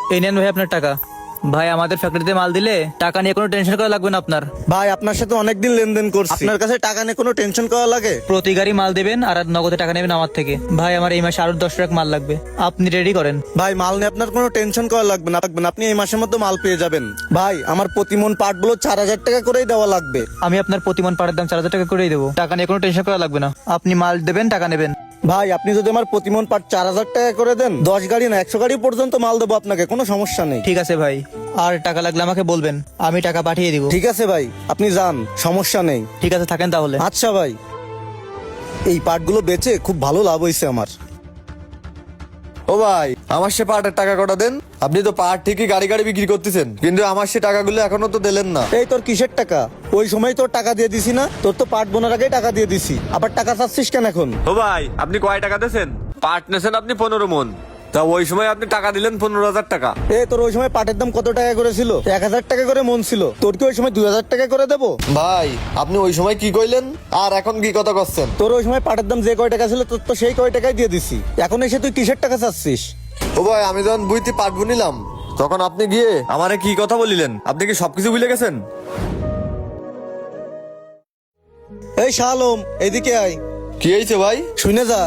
এই নেন ভাই আপনার টাকা। ভাই আমাদের ফ্যাক্টরিতে মাল দিলে টাকা নিয়ে কোনো টেনশন করা লাগবে না আপনার। ভাই আপনার সাথে অনেকদিন লেনদেন করছি, আপনার কাছে টাকা নিয়ে কোনো টেনশন করা লাগে? প্রতি গাড়ি মাল দেবেন আর নগদে টাকা নেবেন আমার থেকে। ভাই আমার এই মাসে আরো 10 ট্রাক মাল লাগবে, আপনি রেডি করেন। ভাই মাল নিয়ে আপনার কোনো টেনশন করা লাগবে না, আপনি এই মাসের মধ্যে মাল পেয়ে যাবেন। ভাই আমার প্রতিমন পাটগুলো 4,000 টাকা করেই দেওয়া লাগবে। আমি আপনার প্রতিমন পাটের দাম 4,000 টাকা করেই দেবো, টাকা নিয়ে কোনো টেনশন করা লাগবে না। আপনি মাল দেবেন, টাকা নেবেন। ভাই আপনি যদি আমার প্রতিমন পাট 4,000 টাকা করে দেন, 10 গাড়ি না 100 গাড়ি পর্যন্ত মাল দেবো আপনাকে, কোনো সমস্যা নেই। ঠিক আছে ভাই, আর টাকা লাগলে আমাকে বলবেন, আমি টাকা পাঠিয়ে দিব। ঠিক আছে ভাই, আপনি যান, সমস্যা নেই। ঠিক আছে, থাকেন তাহলে। আচ্ছা ভাই, এই পাটগুলো বেচে খুব ভালো লাভ হয়েছে আমার। ও ভাই, আমার সে পাটের টাকা কটা দেন। আপনি তো পাট ঠিকই গাড়ি গাড়ি বিক্রি করতেছেন, কিন্তু আমার সে টাকাগুলো এখনো তো দিলেন না। এই তোর কিসের টাকা? ওই সময় তোর টাকা দিয়ে দিছি না? তোর তো পাট বোনার আগেই টাকা দিয়ে দিছি, আবার টাকা চাচ্ছিস কেন এখন? ও ভাই, আপনি কয় টাকা দিয়েছেন? পাট নেছেন আপনি 15 মন, তা ওই সময় আপনি টাকা দিলেন 15,000 টাকা। তোর ওই সময় পাটের দাম কত টাকা করে ছিল? 1,000 টাকা করে মন ছিল। তোর কি ওই সময় 2,000 টাকা করে দেবো? ভাই আপনি ওই সময় কি কইলেন আর এখন কি কথা করছেন? তোর ওই সময় পাটের দাম যে কয় টাকা ছিল, তোর তো সেই কয় টাকাই দিয়ে দিছি। এখন এসে তুই কিসের টাকা চাচ্ছিস? ও ভাই, আমি যখন বুঝতে পাট বুনিলাম তখন আপনি গিয়ে আমারে কি কথা বলিলেন? আপনি কি সবকিছু ভুলে গেছেন? এই শাহ আলম, এদিকে আয়। কি হয়েছে ভাই? শুনে যা।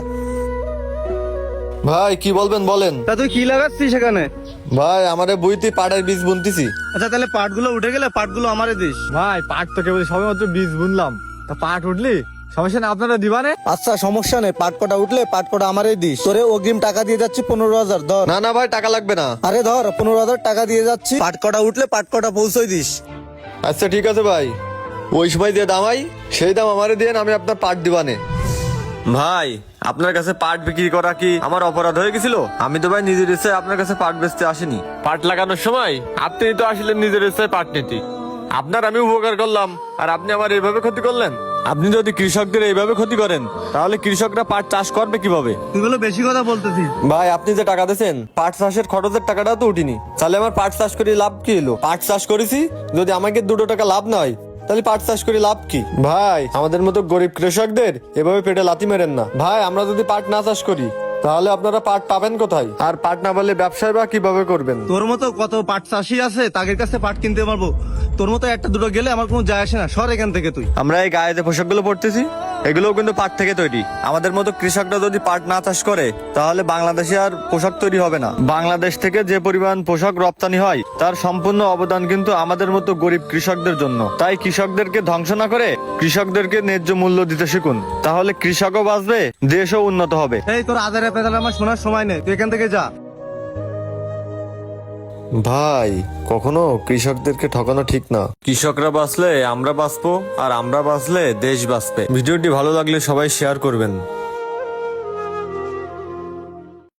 ভাই কি বলবেন বলেন। তা তুই কি লাগাচ্ছিস সেখানে? ভাই আমারে বুঝতে পাটের বীজ বুনতেছি। আচ্ছা তাহলে পাটগুলো উঠে গেলে পাটগুলো আমারে দিস। ভাই পাট তো কেবল সবে মাত্র বীজ বুনলাম, তা পাট উঠলি সমস্যা না, আপনারা দিবানে। আচ্ছা সমস্যা নেই, পাট কটা উঠলে পাট কটা আমারই দিস। তোরে অগ্রিম টাকা দিয়ে যাচ্ছি 15,000, ধর। না না ভাই, টাকা লাগবে না। আরে ধর, 15,000 টাকা দিয়ে যাচ্ছি, পাট কটা উঠলে পাট কটা পৌঁছই দিস। আচ্ছা ঠিক আছে ভাই, ওই সময় যে দাম হয় সেই দাম আমারে দিয়ে আমি আপনার পাট দিবানে। ভাই আপনার কাছে পাট বিক্রি করা কি আমার অপরাধ হয়ে গেছিল? আমি তো ভাই নিজের ইচ্ছায় আপনার কাছে পাট বেচতে আসিনি। পাট লাগানোর সময় আপনি তো আসলেন নিজের ইচ্ছায় পাট নিতে। আপনার আমি উপকার করলাম আর আপনি আমার এইভাবে ক্ষতি করলেন। আপনি যদি কৃষকদের এইভাবে ক্ষতি করেন তাহলে কৃষকরা পাট চাষ করবে কিভাবে? তুই বলে বেশি কথা বলতেছিস। ভাই আপনি যে টাকা দিয়েছেন পাট চাষের খরচের টাকাটা তো উঠিনি, তাহলে আমার পাট চাষ করে লাভ কি হলো? পাট চাষ করেছি, যদি আমাকে 2 টাকা লাভ না হয় তাহলে পাট চাষ করে লাভ কি? ভাই আমাদের মতো গরিব কৃষকদের এভাবে পেটে লাথি মেরেন না। ভাই আমরা যদি পাট না চাষ করি তাহলে আপনারা পাট পাবেন কোথায়? আর পাট না পারলে ব্যবসায় বা কিভাবে করবেন? তোর মতো কত পাট চাষি আছে, তাদের কাছে পাট কিনতে পারবো। তোর মতো একটা দুটো গেলে আমার কোনো যায় আসে না, সর এখান থেকে তুই। আমরা এই গায়ে যে পোশাকগুলো পরতেছি এগুলোও কিন্তু পাট থেকে তৈরি। আমাদের মতো কৃষকরা যদি পাট না চাষ করে তাহলে বাংলাদেশে আর পোশাক তৈরি হবে না। বাংলাদেশ থেকে যে পরিমাণ পোশাক রপ্তানি হয় তার সম্পূর্ণ অবদান কিন্তু আমাদের মতো গরিব কৃষকদের জন্য। তাই কৃষকদেরকে ধ্বংস না করে কৃষকদেরকে ন্যায্য মূল্য দিতে শিখুন, তাহলে কৃষকও বাঁচবে, দেশও উন্নত হবে। এই তোর আদারে পেদালে আমার শোনার সময় নেই, তুই এখান থেকে যা। ভাই কখনো কৃষকদেরকে ঠকানো ঠিক না। কৃষকরা বাঁচলে আমরা বাঁচবো, আর আমরা বাঁচলে দেশ বাঁচবে। ভিডিওটি ভালো লাগলে সবাই শেয়ার করবেন।